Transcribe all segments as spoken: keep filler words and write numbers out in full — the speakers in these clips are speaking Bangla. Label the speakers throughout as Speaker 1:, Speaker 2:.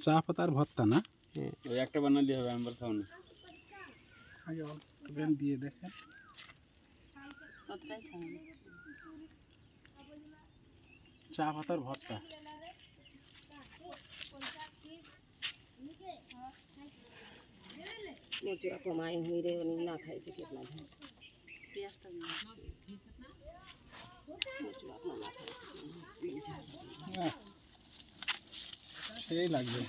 Speaker 1: চা পাতার ভর্তা না?
Speaker 2: হ্যাঁ ওই একটা বানালে হবে, আমি খাও না।
Speaker 1: আগে অল্প দিয়ে দেখেন। চা পাতার ভর্তা
Speaker 3: কমাই হইরে না খাইছে কেটনা
Speaker 1: সেই লাগবে।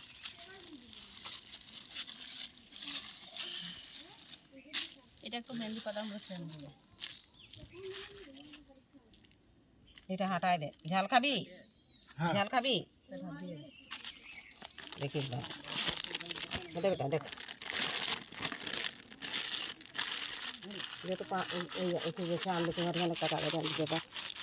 Speaker 3: এটা একটু মেহেন্দি পাতা আমরা সেম দিব। এটা হাঁটায় দে। ঝাল খাবি?
Speaker 1: হ্যাঁ
Speaker 3: ঝাল খাবি? দেখিস না বেটা বেটা দেখ ये तो पा ऐसे जैसे आलू के भरने का कागज डाल दीजिएगा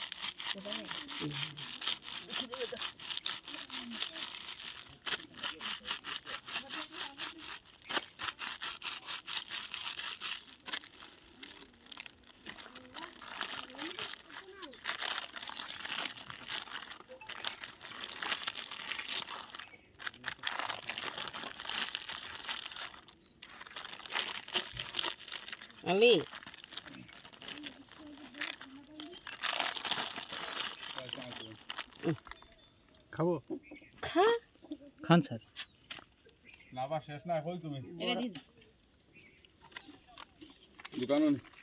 Speaker 3: अली
Speaker 1: খাবো?
Speaker 3: खा
Speaker 1: খান স্যার।
Speaker 2: লাভা শেষ না কই তুমি
Speaker 3: এটা দি
Speaker 2: দোকান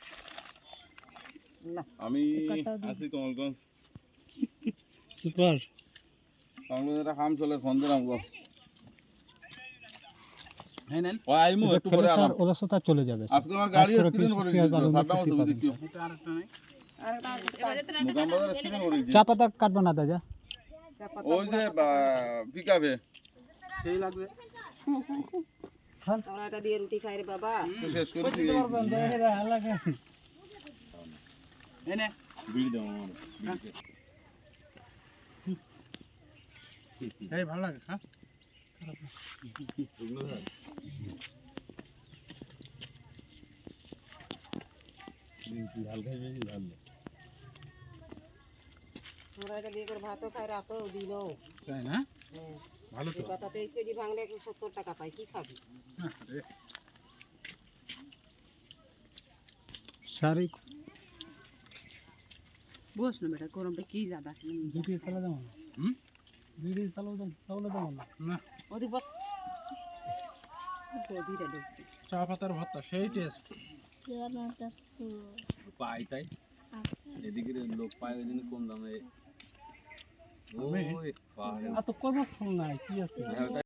Speaker 3: না
Speaker 2: আমি আছি কমলগঞ্জ।
Speaker 1: সুপার।
Speaker 2: কমলগঞ্জ একটা কাম চলে, ফোন দিলাম গো।
Speaker 1: হ্যাঁ নেন।
Speaker 2: ও আইমু একটু পরে আলাম।
Speaker 4: ওরা সাথে চলে যাবে।
Speaker 2: আজকে আমার গাড়ি অ্যাক্সিডেন্ট করে দিয়েছে, সাতটা মতো বুঝি কি
Speaker 1: এটা আরেকটা নাই।
Speaker 2: দোকান বাজার অ্যাক্সিডেন্ট করে দিয়েছে।
Speaker 4: চা পাতা কাটবো না দাদা?
Speaker 2: ওই যে পিকআপে
Speaker 1: সেই লাগবে।
Speaker 3: আমরা এটা দিয়ে রুটি খাই রে বাবা
Speaker 2: শেষ করে দিয়ে
Speaker 1: এনে
Speaker 2: বিল দাও আমার।
Speaker 1: এই ভালো লাগে। হ্যাঁ
Speaker 2: ঝাল খাইবে ঝাল
Speaker 3: আমরা এটা দিয়ে করে ভাতও খাই রাতেও দিনও
Speaker 1: তাই না?
Speaker 3: হ্যাঁ
Speaker 1: ভালো তো।
Speaker 3: এই পাতা তেইশ কেজি ভাঙলে একশো সত্তর টাকা পাই কি খাবি
Speaker 1: আরে
Speaker 4: সারি
Speaker 5: বস না বেটা গরমটা কি জাদা আছে
Speaker 4: ভিডিও চালা দাও না।
Speaker 1: হুম
Speaker 4: ভিডিও চালাও দাও, চালা দাও না।
Speaker 1: না
Speaker 5: ওদি বস গভীরে ঢুকছে
Speaker 1: চা পাতার ভর্তা সেই টেস্ট।
Speaker 2: পাই তাই এদিকে লোক পায় ওই জন্য কম দামে।
Speaker 1: আমি
Speaker 2: ওই পাহাড়ে
Speaker 4: আর তো কর্মস্থল নাই, কি আছে?